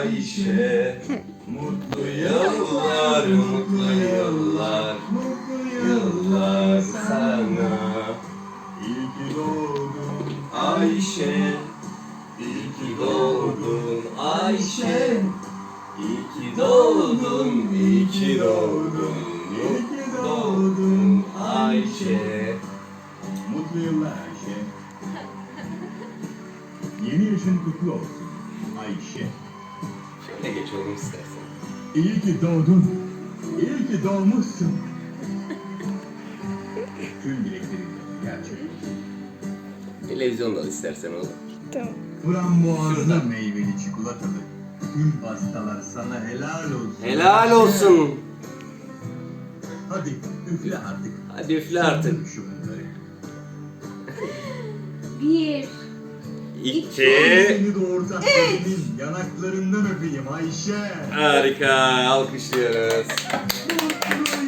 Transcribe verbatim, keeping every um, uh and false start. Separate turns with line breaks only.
Ayşe. Mutlu yıllar, mutlu yıllar, mutlu yıllar sana. İyi ki doğdun Ayşe, iyi ki doğdun Ayşe. İyi ki doğdun, iyi ki doğdun, iyi ki doğdun Ayşe.
Mutlu yıllar Ayşe. Yeni yaşın kutlu olsun Ayşe.
Şöyle geç oğlum istersen.
İyi ki doğdun. İyi ki doğmuşsun. Tüm dileklerin gerçek olsun.
Televizyonda al istersen oğlum.
Tamam.
Frambuazlı meyveli çikolatalı. Tüm pastalar sana helal olsun.
Helal olsun.
Hadi üfle artık.
Hadi üfle artık.
Şu bunları.
Bir.
İki.
Seni doğurtan senin yanaklarından öpeyim Ayşe.
Harika. Alkışlıyoruz.
Mutlu